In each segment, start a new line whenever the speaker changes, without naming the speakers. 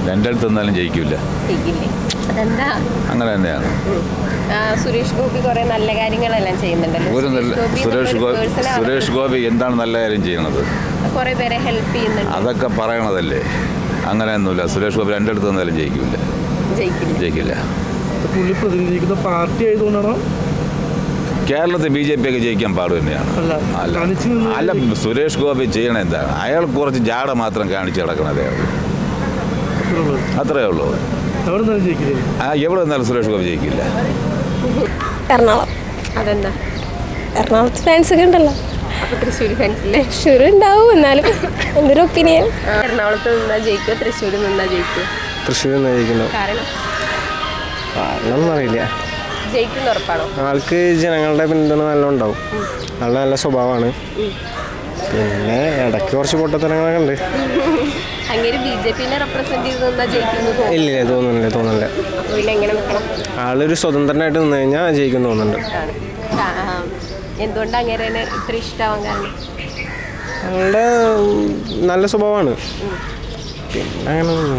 രണ്ടിടത്ത് നിന്നാലും ജയിക്കില്ല. അങ്ങനെ തന്നെയാണ്.
സുരേഷ് ഗോപി കുറെ നല്ല കാര്യങ്ങളെല്ലാം ചെയ്യുന്നുണ്ടല്ലോ.
സുരേഷ് ഗോപി എന്താണ് നല്ല കാര്യം ചെയ്യുന്നത്?
കുറെ പേരെ ഹെൽപ്പ് ചെയ്യുന്നുണ്ട്.
അതൊക്കെ പറയണതല്ലേ. അങ്ങനെയൊന്നുമില്ല. സുരേഷ് ഗോപി രണ്ടിടത്ത് നിന്നാലും ജയിക്കില്ല.
പുള്ളി പ്രതിനിധിക്കുന്ന പാർട്ടി ആയതുകൊണ്ടാണോ?
കേരളത്തിൽ BJP ഒക്കെ ജയിക്കാൻ പാട് തന്നെയാണ്. അല്ല, സുരേഷ് ഗോപി ചെയ്യണ എന്താണ്? അയാൾ കുറച്ച് ജാട മാത്രം കാണിച്ച് കിടക്കണതേ ഉള്ളൂ. അത്രേ ഉള്ളൂ. എവിടെ നിന്നാലും സുരേഷ് ഗോപി ജയിക്കില്ല.
എറണാകുളം. അതെന്താ? എറണാകുളത്ത് ഫാൻസ് ഒക്കെ ഉണ്ടല്ലോ. തൃശ്ശൂർ ഉണ്ടാവും. എന്നാലും എന്തൊരു ഒപ്പീനിയൻ. എറണാകുളത്ത് നിന്നാ ജയിക്കുക, തൃശ്ശൂരിൽ നിന്നാ ജയിക്കുക?
തൃശ്ശൂരിൽ നിന്ന് ജയിക്കുന്നു.
കാരണം
അറിയില്ല.
ജയിക്കുന്ന ഉറപ്പാണോ?
ആൾക്ക് ജനങ്ങളുടെ പിന്തുണ നല്ല ഉണ്ടാവും. നല്ല സ്വഭാവമാണ്. പിന്നെ ഇടയ്ക്ക് കുറച്ച് പൊട്ടത്തരങ്ങളൊക്കെ ഉണ്ട്.
അങ്ങനെ BJPനെ റെപ്രസെന്റ് ചെയ്ത് നിന്നാ ജയിക്കുന്നു?
ഇല്ല, തോന്നുന്നില്ല.
പിന്നെ എങ്ങനെ നിൽക്കണം?
ആളൊരു സ്വതന്ത്രനായിട്ട് നിന്ന് കഴിഞ്ഞാൽ ജയിക്കും തോന്നുന്നുണ്ട്.
എന്തുകൊണ്ടാണ് അങ്ങനെ ഇത്ര ഇഷ്ടമാവാൻ കാരണം?
ആളുടെ നല്ല സ്വഭാവമാണ്. പിന്നെ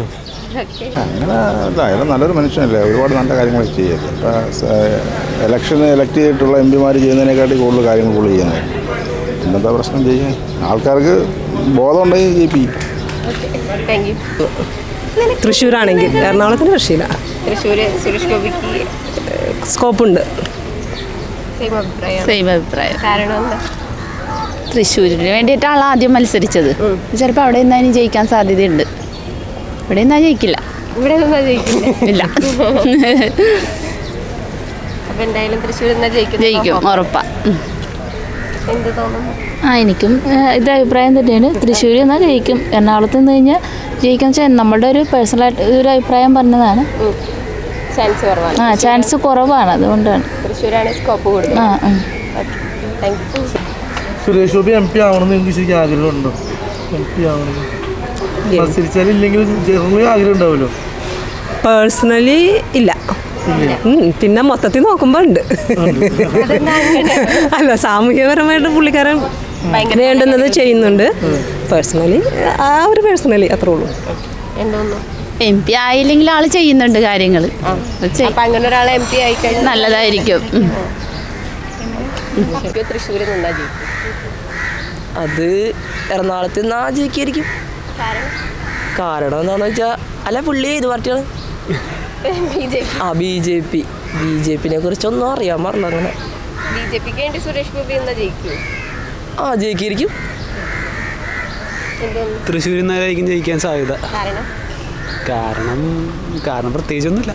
അയാൾ നല്ലൊരു മനുഷ്യനല്ലേ. ഒരുപാട് നല്ല കാര്യങ്ങൾ ചെയ്യല്ലേ. ഇലക്ഷന് എലക്ട് ചെയ്തിട്ടുള്ള MP-മാർ ചെയ്യുന്നതിനെക്കാട്ടി കൂടുതൽ കാര്യങ്ങൾ പുള്ളി ചെയ്യുന്നത്. പിന്നെന്താ പ്രശ്നം? ചെയ്യാൻ ആൾക്കാർക്ക് ബോധമുണ്ടെങ്കിൽ ജയിപ്പിക്കും.
തൃശ്ശൂരാണെങ്കിൽ എറണാകുളത്തിന് രക്ഷയില്ല.
തൃശ്ശൂർ സുരേഷ് ഗോപിക്ക്
സ്കോപ്പുണ്ട്.
സെയിം അഭിപ്രായം. കാരണം എന്താ?
തൃശ്ശൂരിന് വേണ്ടിയിട്ടാണ് ആദ്യം മത്സരിച്ചത്. ചിലപ്പോൾ അവിടെ നിന്നാലും ജയിക്കാൻ സാധ്യതയുണ്ട്. ഇവിടെ നിന്നാ ജയിക്കില്ല.
ഇവിടെ നിന്നാ ജയിക്കില്ല.
ഇല്ല.
അപ്പൊ എന്തായാലും തൃശ്ശൂർ
ജയിക്കും ഉറപ്പാ.
എന്ത് തോന്നുന്നു?
എനിക്കും ഇത് അഭിപ്രായം തന്നെയാണ്. തൃശ്ശൂർ എന്നാൽ ജയിക്കും. എറണാകുളത്ത് നിന്ന് കഴിഞ്ഞാൽ ജയിക്കാൻ വെച്ചാൽ നമ്മുടെ ഒരു പേഴ്സണലായിട്ട് ഒരു അഭിപ്രായം പറഞ്ഞതാണ്. ചാൻസ് കുറവാണ്. അതുകൊണ്ടാണ്
തൃശ്ശൂരാണ് സ്കോപ്പ് കൂടുതൽ.
സുരേഷ് ഗോപി MP ആവണമെന്ന് എനിക്ക് ശരിക്കും ആഗ്രഹമുണ്ടോ? MP ആവണമെന്ന് മത്സരിച്ചാലില്ലെങ്കിലും ആഗ്രഹം ഉണ്ടാവുമല്ലോ.
പേഴ്സണലി ഇല്ല. പിന്നെ മൊത്തത്തിൽ നോക്കുമ്പോൾ ഉണ്ട്. അല്ല, സാമൂഹ്യപരമായിട്ട് പുള്ളിക്കാരൻ വേണ്ടുന്നത് ചെയ്യുന്നുണ്ട്. പേഴ്സണലി അത്രേ ഉള്ളൂ.
എന്തോന്നു?
MP ആയില്ലെങ്കിൽ ആള് ചെയ്യുന്നുണ്ട് കാര്യങ്ങൾ.
അങ്ങനെ ഒരാൾ MP ആയിക്കഴിഞ്ഞാൽ
നല്ലതായിരിക്കും.
തൃശ്ശൂരിൽ നിന്നാ ജയിക്കും.
അത് എറണാകുളത്ത് നിന്നാ ജയിക്കായിരിക്കും. കാരണം എന്താണെന്ന് വെച്ചാൽ അല്ല, പുള്ളി ഏത് പാർട്ടിയാണ്? BJP-നെ കുറിച്ചൊന്നും അറിയാൻ പാടില്ല. അങ്ങനെ
BJPക്ക് വേണ്ടി സുരേഷ് ഗോപി എന്നാ ജയിക്കും?
ജയിക്കായിരിക്കും.
തൃശ്ശൂരിൽ നിന്നായിരിക്കും ജയിക്കാൻ സാധ്യത. കാരണം പ്രത്യേകിച്ചൊന്നുമില്ല.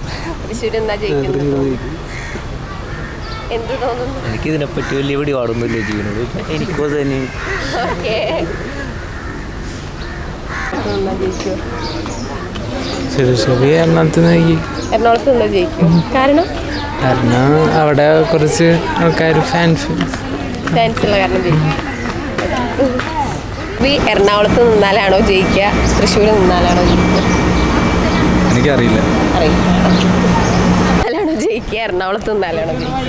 എന്ത് തോന്നുന്നു?
എനിക്ക് ഇതിനെപ്പറ്റി വലിയ പിടിപാടൊന്നുമില്ല ചെയ്യുന്നത്. എനിക്കും അത് തന്നെ.
സുരേഷ് ഗോപി എറണാകുളത്ത്
നിന്ന് ജയിക്കും. കാരണം
അവിടെ കുറച്ച് ആൾക്കാർ ഫാൻസുള്ള
കാരണം ജയിക്കും. എറണാകുളത്ത് നിന്നാലാണോ ജയിക്കുക, തൃശ്ശൂർ നിന്നാലാണോ ജയിക്കുക?
എനിക്കറിയില്ല.
നിന്നാലാണോ ജയിക്കുക, എറണാകുളത്ത് നിന്നാലാണോ ജയിക്കുക?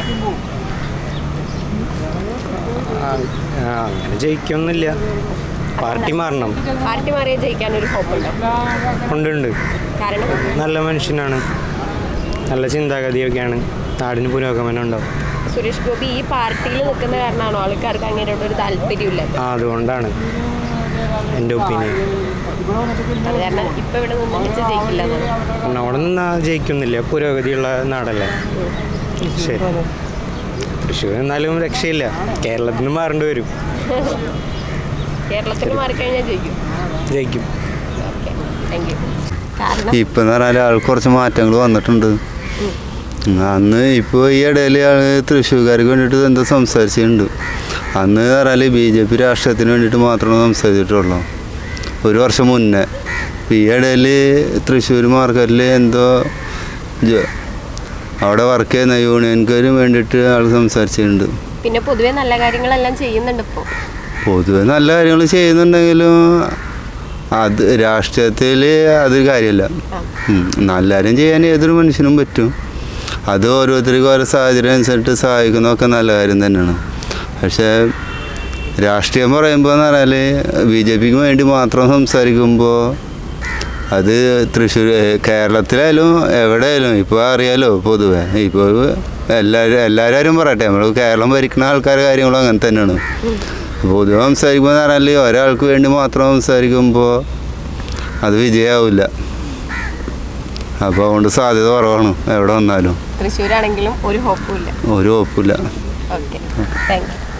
അങ്ങനെ ജയിക്കൊന്നുമില്ല. പാർട്ടി മാറണം.
പാർട്ടി മാറിയാൽ ജയിക്കാനൊരു ഹോപ്പുണ്ടോ?
ഉണ്ട്.
കാരണം
നല്ല മനുഷ്യനാണ്, നല്ല ചിന്താഗതിയൊക്കെയാണ്. നാടിന് പുരോഗമനം ഉണ്ടാവും.
സുരേഷ് ഗോപി ഈ പാർട്ടിയിൽ നിൽക്കുന്ന കാരണമാണോ ആൾക്കാർക്ക് അങ്ങനെയുള്ള ഒരു താല്പര്യമില്ല?
അതുകൊണ്ടാണ് എൻ്റെ ഒപ്പീനിയൻ.
അത് കാരണം ഇപ്പം ഇവിടെ നിന്ന് ജയിക്കില്ല.
അവിടെ നിന്ന് ജയിക്കുന്നില്ല. പുരോഗതിയുള്ള നാടല്ലേ. ശരി, തൃശ്ശൂർ എന്നാലും രക്ഷയില്ല. കേരളത്തിന് മാറേണ്ടി വരും.
കേരളത്തിന് മാറിക്കഴിഞ്ഞാൽ
ജയിക്കും.
ഇപ്പം എന്ന് പറഞ്ഞാൽ ആൾ കുറച്ച് മാറ്റങ്ങൾ വന്നിട്ടുണ്ട്. അന്ന് ഇപ്പോൾ ഈ ഇടയിൽ ആൾ തൃശ്ശൂർക്കാർക്ക് വേണ്ടിയിട്ട് എന്തോ സംസാരിച്ചിട്ടുണ്ട്. അന്ന് പറഞ്ഞാൽ BJP രാഷ്ട്രീയത്തിന് വേണ്ടിയിട്ട് മാത്രമേ സംസാരിച്ചിട്ടുള്ളൂ, ഒരു വർഷം മുന്നേ. ഈ ഇടയിൽ തൃശ്ശൂർ മാർക്കറ്റിൽ എന്തോ അവിടെ വർക്ക് ചെയ്യുന്ന യൂണിയൻകാരും വേണ്ടിയിട്ട് ആൾ സംസാരിച്ചിട്ടുണ്ട്.
പിന്നെ പൊതുവെ നല്ല കാര്യങ്ങളെല്ലാം ചെയ്യുന്നുണ്ട്. ഇപ്പോൾ
പൊതുവെ നല്ല കാര്യങ്ങൾ ചെയ്യുന്നുണ്ടെങ്കിലും അത് രാഷ്ട്രീയത്തിൽ അതൊരു കാര്യമല്ല. നല്ല കാര്യം ചെയ്യാൻ ഏതൊരു മനുഷ്യനും പറ്റും. അത് ഓരോരുത്തർക്കും ഓരോ സാഹചര്യം അനുസരിച്ച് സഹായിക്കുന്നതൊക്കെ നല്ല കാര്യം തന്നെയാണ്. പക്ഷേ രാഷ്ട്രീയം പറയുമ്പോൾ എന്ന് പറഞ്ഞാൽ BJPക്ക് വേണ്ടി മാത്രം സംസാരിക്കുമ്പോൾ അത് തൃശ്ശൂർ കേരളത്തിലായാലും എവിടെയായാലും ഇപ്പോൾ അറിയാലോ പൊതുവെ ഇപ്പോൾ എല്ലാവരും പറയട്ടെ നമ്മൾ കേരളം ഭരിക്കുന്ന ആൾക്കാരുടെ കാര്യങ്ങളും അങ്ങനെ തന്നെയാണ്. പൊതുവെ സംസാരിക്കുമ്പോൾ എന്ന് പറഞ്ഞാൽ ഒരാൾക്ക് വേണ്ടി മാത്രം സംസാരിക്കുമ്പോൾ അത് വിജയമാവില്ല. അപ്പോൾ അതുകൊണ്ട് സാധ്യത കുറവാണ് എവിടെ വന്നാലും.
തൃശ്ശൂരാണെങ്കിലും ഒരു ഹോപ്പും ഇല്ല.
ഒരു ഹോപ്പില്ല.
Okay, thank you.